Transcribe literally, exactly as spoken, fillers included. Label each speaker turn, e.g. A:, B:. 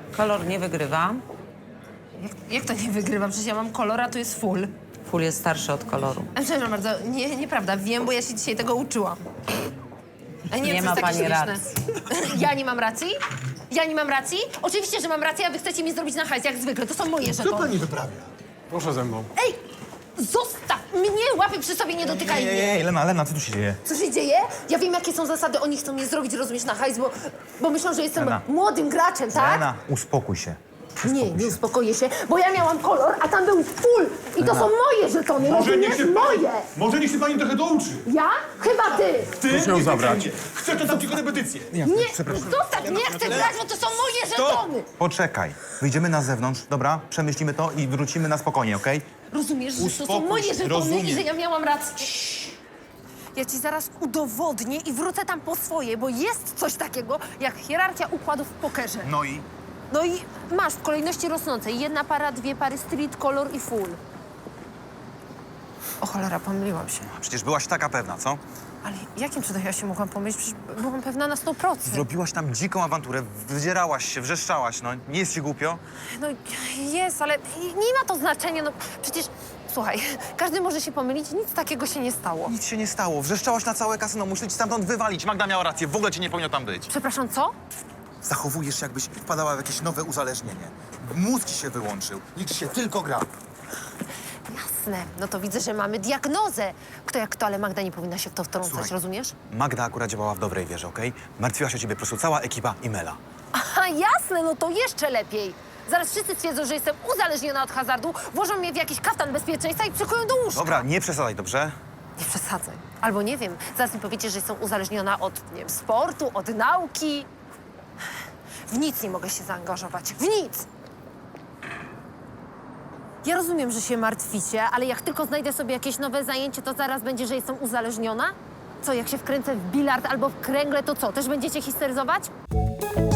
A: Kolor nie wygrywa.
B: Jak, jak to nie wygrywam? Przecież ja mam kolor, a tu jest full.
A: Full jest starszy od koloru.
B: A przepraszam bardzo, nie, nieprawda. Wiem, bo ja się dzisiaj tego uczyłam. A nie,
A: Nie
B: to jest
A: ma
B: takie
A: pani
B: śmieszne.
A: racji.
B: Ja nie mam racji? Ja nie mam racji? Oczywiście, że mam rację, a wy chcecie mi zrobić na hajs, jak zwykle. To są moje
C: Co
B: żetony.
C: pani wyprawia?
D: Proszę ze mną.
B: Ej! Zostaw mnie! Łapy przy sobie, nie dotykaj
E: Ej,
B: mnie!
E: ej, ej, Lena, Lena, co tu się dzieje?
B: Co się dzieje? Ja wiem, jakie są zasady. Oni chcą mnie zrobić, rozumiesz, na hajs, bo, bo myślą, że jestem
E: Lena.
B: młodym graczem, tak?
E: Lena, uspokój się.
B: Nie, nie uspokoję się, bo ja miałam kolor, a tam był full. I to są moje żetony, rozumiesz? Moje!
C: Może niech się pani trochę douczy.
B: Ja? Chyba ty!
C: Ty?
D: Proszę ją zabrać.
C: Chcę to dam tylko repetycję.
B: Nie, zostaw, nie chcę grać, bo to są moje żetony!
E: Poczekaj, wyjdziemy na zewnątrz, dobra? Przemyślimy to i wrócimy na spokojnie, okej?
B: Rozumiesz, że to są
C: Uspokój
B: moje
C: się,
B: żetony
C: rozumiem.
B: i że ja miałam rację. Ja ci zaraz udowodnię i wrócę tam po swoje, bo jest coś takiego jak hierarchia układów w pokerze.
E: No i?
B: No i masz w kolejności rosnącej jedna para, dwie pary street, kolor i full. O cholera, pomyliłam się.
E: Przecież byłaś taka pewna, co?
B: Ale jakim cudem ja się mogłam pomylić? Przecież byłam pewna na sto procent.
E: Zrobiłaś tam dziką awanturę, wydzierałaś się, wrzeszczałaś, no. Nie jest ci głupio?
B: No jest, ale nie ma to znaczenia, no przecież... Słuchaj, każdy może się pomylić, nic takiego się nie stało.
E: Nic się nie stało, wrzeszczałaś na całe kasyno, muszę ci stamtąd wywalić. Magda miała rację, w ogóle ci nie powinno tam być.
B: Przepraszam, co?
E: Zachowujesz się, jakbyś wpadała w jakieś nowe uzależnienie. Mózg ci się wyłączył, liczy się tylko gra.
B: Jasne, no to widzę, że mamy diagnozę. Kto jak kto, ale Magda nie powinna się w to wtrącać,
E: Słuchaj.
B: rozumiesz?
E: Magda akurat działała w dobrej wierze, okej? Martwiła się o ciebie po prostu cała ekipa i Mela.
B: Aha, jasne, no to jeszcze lepiej. Zaraz wszyscy stwierdzą, że jestem uzależniona od hazardu, włożą mnie w jakiś kaftan bezpieczeństwa i przykują do łóżka.
E: Dobra, nie przesadzaj, dobrze?
B: Nie przesadzaj. Albo nie wiem, zaraz mi powiecie, że jestem uzależniona od, nie wiem, sportu, od nauki. W nic nie mogę się zaangażować. W nic! Ja rozumiem, że się martwicie, ale jak tylko znajdę sobie jakieś nowe zajęcie, to zaraz będzie, że jestem uzależniona? Co, jak się wkręcę w bilard albo w kręgle, to co, też będziecie histeryzować?